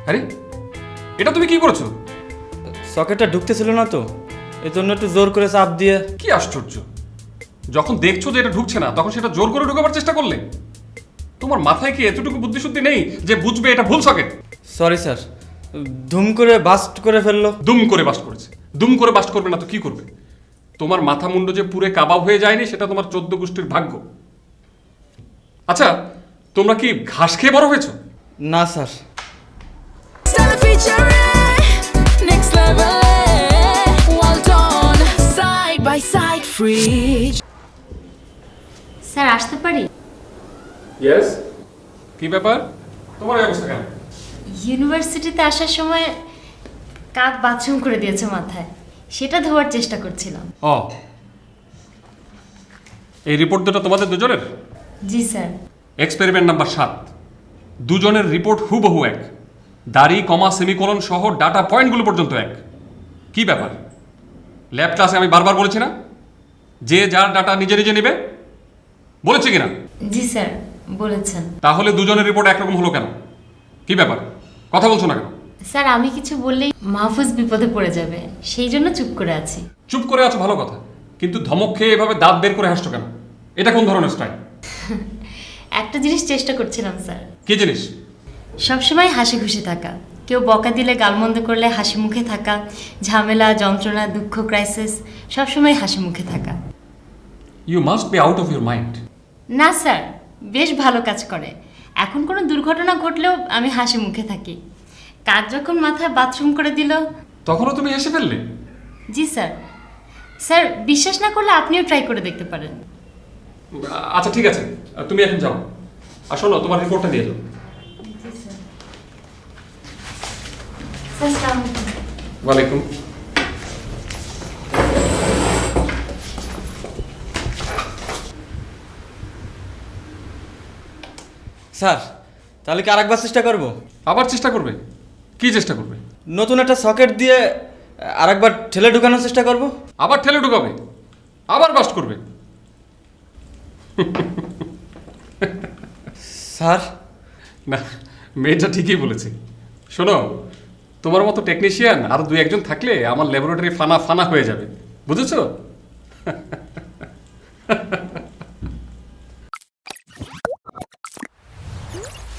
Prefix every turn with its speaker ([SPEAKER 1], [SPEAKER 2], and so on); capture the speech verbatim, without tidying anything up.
[SPEAKER 1] আরে এটা তুমি কি করেছো?
[SPEAKER 2] সকেটটা ঢুকতেছিল না তো, এই জন্য একটু জোর করে চাপ দিয়ে।
[SPEAKER 1] কি আশ্চর্য, যখন দেখছো যে এটা ঢুকছে না তখন সেটা জোর করে ঢুকাবার চেষ্টা করলে? তোমার মাথায় কি এতটুকু বুদ্ধিশুদ্ধি নেই যে বুঝবে এটা ভুল সকেট?
[SPEAKER 2] সরি স্যার, ধুম করে বাস্ট করে ফেললো।
[SPEAKER 1] দুম করে বাস্ট করেছে। দুম করে বাস্ট করবে না তো কি করবে? তোমার মাথা মুন্ড যে পুরে কাবাব হয়ে যায়নি সেটা তোমার চোদ্দ গোষ্ঠীর ভাগ্য। আচ্ছা, তোমরা কি ঘাস খেয়ে বড় হয়েছো?
[SPEAKER 2] না sir.
[SPEAKER 3] Stella featuring next level, well done, side by side, free.
[SPEAKER 4] Sir আসতে পারি?
[SPEAKER 1] ইয়েস। কি ব্যাপার, তোমার এই অবস্থা কেন?
[SPEAKER 4] ইউনিভার্সিটিতে আসার সময় কাক বাথরুম করে দিয়েছে মাথায়, সেটা ধোয়ার চেষ্টা করছিলাম।
[SPEAKER 1] ও, এই রিপোর্ট দুটো তোমাদের দুজনের?
[SPEAKER 4] জি স্যার।
[SPEAKER 1] এক্সপেরিমেন্ট নাম্বার সাত, দুজনের রিপোর্ট হুবহু এক, দাড়ি কমা সেমিকোলন সহ ডাটা পয়েন্টগুলো পর্যন্ত এক। কি ব্যাপার, ল্যাব ক্লাসে আমি বারবার বলেছি না যে যার ডাটা নিজে নিজে নেবে? বলেছি কিনা?
[SPEAKER 4] জি স্যার বলেছেন।
[SPEAKER 1] তাহলে দুজনের রিপোর্ট একরকম হলো কেন? কি ব্যাপার, কথা বলছো না কেন?
[SPEAKER 4] স্যার আমি কিছু বললেই মাহফুজ বিপদে পড়ে যাবে, সেই জন্য চুপ করে আছি।
[SPEAKER 1] চুপ করে আছো ভালো কথা, কিন্তু ধমক খেয়ে এভাবে দাঁত বের করে হাসছো কেন? এটা কোন ধরনের স্টাইল?
[SPEAKER 4] একটা জিনিস চেষ্টা করছিলাম স্যার,
[SPEAKER 1] কি জিনিস?
[SPEAKER 4] সবসময় হাসি খুশি থাকা, কেউ বকা দিলে গালমন্দ করলে হাসি মুখে থাকা, ঝামেলা যন্ত্রণা দুঃখ ক্রাইসিস সবসময় হাসি মুখে থাকা।
[SPEAKER 1] You must be out of your mind.
[SPEAKER 4] না স্যার, বেশ ভালো কাজ করে। এখন কোনো দুর্ঘটনা ঘটলেও আমি হাসি মুখে থাকি। কাজ যখন মাথায় বাথরুম করে দিল
[SPEAKER 1] তখনও তুমি হেসে ফেললে?
[SPEAKER 4] জি স্যার। স্যার বিশ্বাস না করলে আপনিও ট্রাই করে দেখতে পারেন।
[SPEAKER 1] আচ্ছা ঠিক আছে, তুমি এখন যাও। আর শোনো, তোমার রিপোর্টটা দিয়ে যাও।
[SPEAKER 4] জি স্যার। স্যার আসসালামু আলাইকুম।
[SPEAKER 1] ওয়ালাইকুম।
[SPEAKER 2] স্যার তাহলে কি আরেকবার চেষ্টা করব?
[SPEAKER 1] আবার চেষ্টা করবে? কি চেষ্টা করবে?
[SPEAKER 2] নতুন একটা সকেট দিয়ে আরেকবার ঠেলে ঢুকানোর চেষ্টা করব।
[SPEAKER 1] আবার ঠেলে ঢুকাবে? আবার বাস্ট করবে?
[SPEAKER 2] স্যার
[SPEAKER 1] না, মেয়েটা ঠিকই বলেছে। শোনো, তোমার মতো টেকনিশিয়ান আর দুই একজন থাকলে আমার ল্যাবরেটরি ফানা ফানা হয়ে যাবে, বুঝেছো?